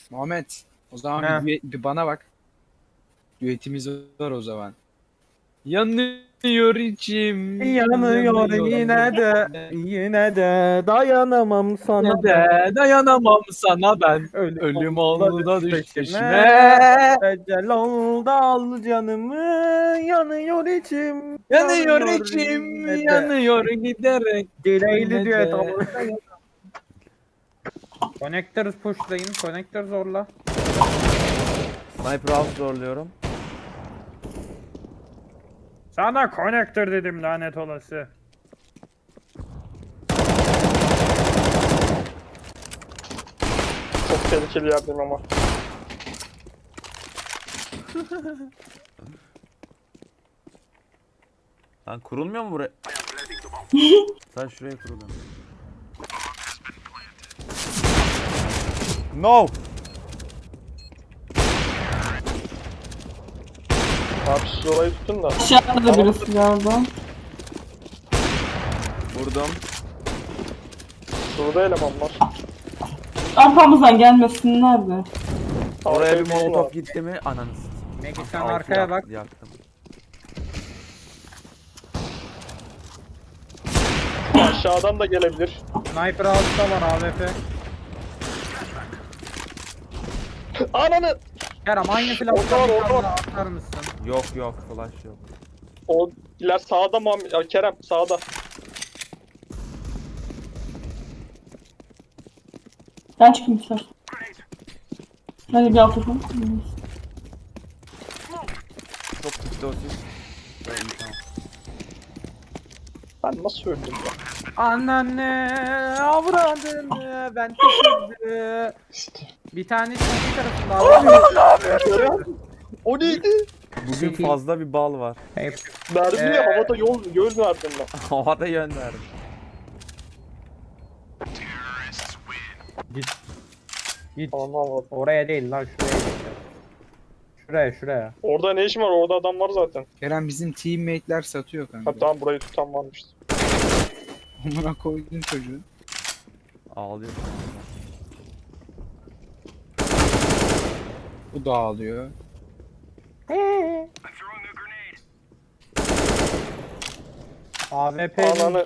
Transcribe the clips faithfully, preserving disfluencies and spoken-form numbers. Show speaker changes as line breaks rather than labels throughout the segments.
Muhammed, o zaman
He.
bir, düet- bir bana bak. Düetimiz var o zaman. Yanıyor içim.
Yanıyor yine de, yine de dayanamam sana
Yine
ben.
de dayanamam sana ben.
Ölüm,
Ölüm
oldu
oldu da
düş
düş
peşime.
peşime.
Ecel oldu al canımı. Yanıyor içim.
Yanıyor içim,
yine de.
yanıyor giderek.
Dileyli
Yine
düet
de.
ama. Connectors pushlayın. Connector zorla.
Sniper house zorluyorum.
Sana connector dedim lanet olası.
Çok tehlikeli yerdeyim ama.
Lan kurulmuyor mu buraya? Sen şuraya kuruluyorsun. No.
Abi siz orayı tutun da.
Aşağıda da birisi galiba.
Vurdum.
Şurada eleman var.
Arkamızdan gelmesinler de.
Oraya bir
Arkaya
molotof
var.
gitti mi? Ananı s-
Megi sen
Altı
arkaya
yak-
bak.
Yaktım.
Aşağıdan da gelebilir.
Sniper altta var A W P.
Ananı!
Kerem aynı
Orada var,
flash'tan
orada var.
atar mısın?
Yok yok flash yok.
O iler sağda Muhammed. Ya Kerem sağda.
Ben çıkayım ister. Hadi bir alt yapalım.
Çok gitti o siz. Evet, iyi, tamam.
Ben nasıl öldüm ya?
Anneanne avradını ben tükürdü. Bir tane çizgi tarafında abi.
O neydi?
Bugün
Peki.
fazla bir bal var.
Verdim ya
Ee,
havada yol yol verdim ben.
Havada yön verdim.
Git. Git.
Anlamadım.
Oraya değil lan şuraya git. Şuraya şuraya.
Orada ne işim var? Orada adam var zaten.
Kerem bizim teammate'ler satıyor kanka.
Ha tamam burayı tutan varmış.
Amına koydun çocuğu.
Ağlıyor.
Bu da ağlıyor.
A W P
Ananı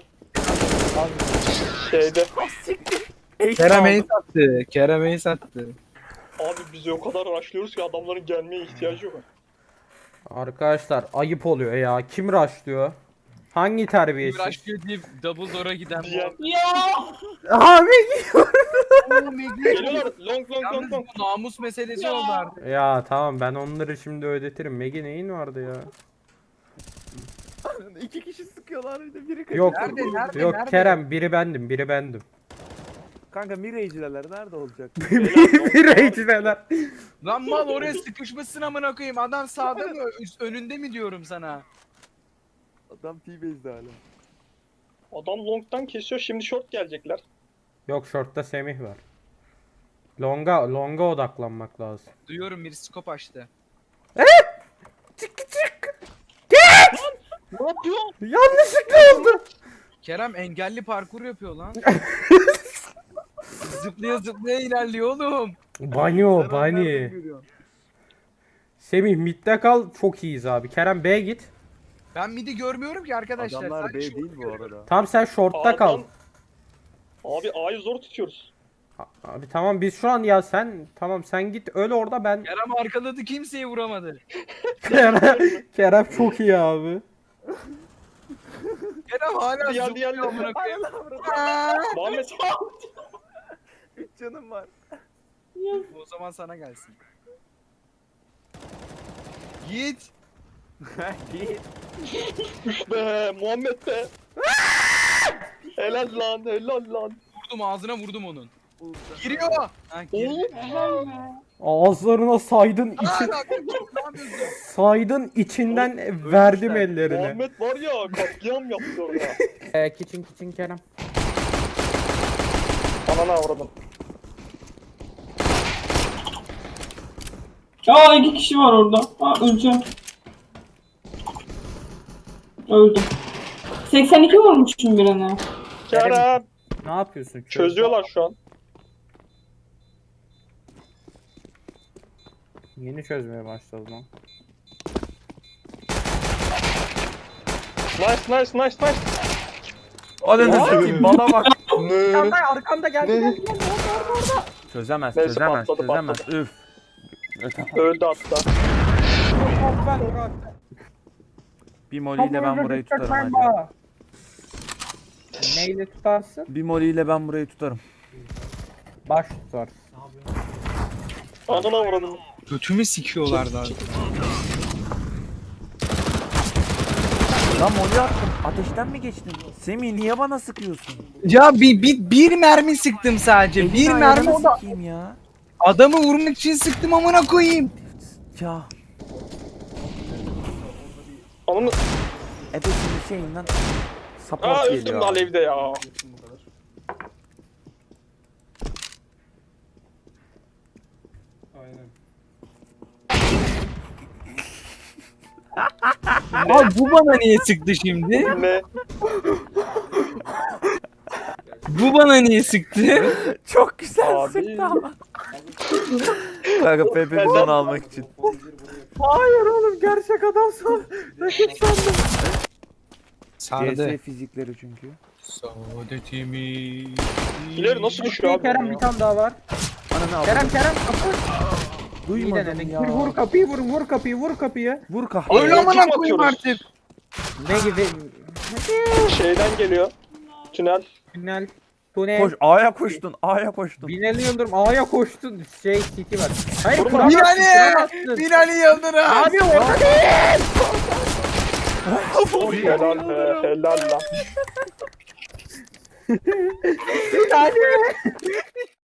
şeyde.
Kerem Ace sattı. Kerem Ace sattı.
Abi biz o kadar araştırıyoruz ki adamların gelmeye ihtiyacı yok.
Arkadaşlar ayıp oluyor ya. Kim rushlıyor? Hangi terbiyesiz?
Uğraşıyor diye double door'a giden
Diyen.
Ya!
Abi
Geliyorlar long long long
Yalnız
long.
bu namus meselesi oldu artık.
ya tamam ben onları şimdi ödetirim. Megi neyin vardı ya?
İki kişi sıkıyorlar bir de biri
Yok.
Nerede, nerede,
Yok
nerede?
Kerem biri bendim, biri bendim.
Kanka Mirage'ler nerede olacak?
bir reyciler.
Lan mal oraya sıkışmışsın amına koyayım. Adam sağda mı üst- önünde mi diyorum sana?
Adam T-Base'de hala.
Adam long'dan kesiyor şimdi short gelecekler.
Yok shortta Semih var. Longa longa odaklanmak lazım.
Duyuyorum bir skop açtı.
Ne yapıyor?
Yanlışlıkla oldu.
Kerem engelli parkur yapıyor lan. zıplaya zıplaya ilerliyor oğlum.
Banyo bani. Semih midde kal çok iyiyiz abi. Kerem B'ye git.
Ben midi görmüyorum ki arkadaşlar.
Adamlar
Sadece
B
short
değil bu
görüyorum.
arada.
Tam sen shortta kal.
A'dan- Abi A'yı zor tutuyoruz.
Abi tamam biz şu an ya sen tamam sen git öl orada ben
Kerem arkaladı kimseyi vuramadı.
Kerem, Kerem çok iyi abi.
Kerem hala
Diğer-
zıplıyor
diğer-
amına koyayım.
Muhammed
üç canım var.
O zaman sana gelsin. Git.
be Muhammed be. Helal lan helal lan.
Vurdum ağzına vurdum onun. Giriyor. Ha, girdi.
Oğlum
Ağızlarına saydın
Aa,
için
ne yapıyorsun? Ne yapıyorsun?
saydın içinden verdim ellerine.
Muhammed var ya katliam yaptı orada.
Ee, kitchen kitchen Kerem.
Ananı avradım.
Aa iki kişi var orada. Aa öleceğim. Öldüm. seksen iki vurmuşum birine.
Kerem
Ne yapıyorsun? Çöz.
çözüyorlar şu an.
Yeni çözmeye başladı lan.
Nice nice nice nice.
Ananı satayım bana bak.
Arkamda arkamda geldi
Ne?
geldi geldi orada orada orada.
Çözemez
Neyse,
çözemez
patladı,
çözemez.
patladı.
Üf. E, tamam.
Öldü hatta.
Ben Murat.
Bir moliyle ben burayı tutarım hadi.
hadi. Neyle tutarsın?
Bir moliyle ben burayı tutarım.
Baş tutar.
Anana vurdum.
Götümü sikiyorlar daha.
Lan moli attım. Ateşten mi geçtin? Semih niye bana sıkıyorsun?
Ya bir, bir, bir mermi sıktım sadece. Bir
Elini
mermi
ayağını
o da
sikeyim ya.
adamı vurmak için sıktım amına koyayım.
Ya.
Ananı...
Ebesinin şeyinden support
Aa
geliyor.
üstümde
abi.
alevde ya.
Abi bu bana niye sıktı şimdi?
Ne?
Bu bana niye sıktı?
Çok güzel
Abi.
sıktı ama. Kanka Pepe
Ben-
bizden almak için.
Hayır oğlum gerçek adamsın. Rakip sandım.
C
Sardı.
S fizikleri çünkü.
Saadetimi.
İleri nasıl düşüyor abi?
Kerem
ya?
bir tane daha var.
Ananı al.
Kerem Kerem kapı. İyi
Duymadım
denedin.
ya.
Vur, vur kapıyı vur vur kapıyı vur kapıyı.
Vur kahve.
Öyle amına
Kim
koyayım
atıyoruz?
artık.
Ne gibi?
Şeyden geliyor. Tünel.
Tünel. Tünel.
Koş A'ya koştun. A'ya koştun.
Binali Yıldırım A'ya koştun. Şey City var. Hayır
Vurma.
kuramazsın.
Binali!
kuramazsın.
Binali Yıldırım.
Abi orada değil.
Helal be, helal lan.
Binali.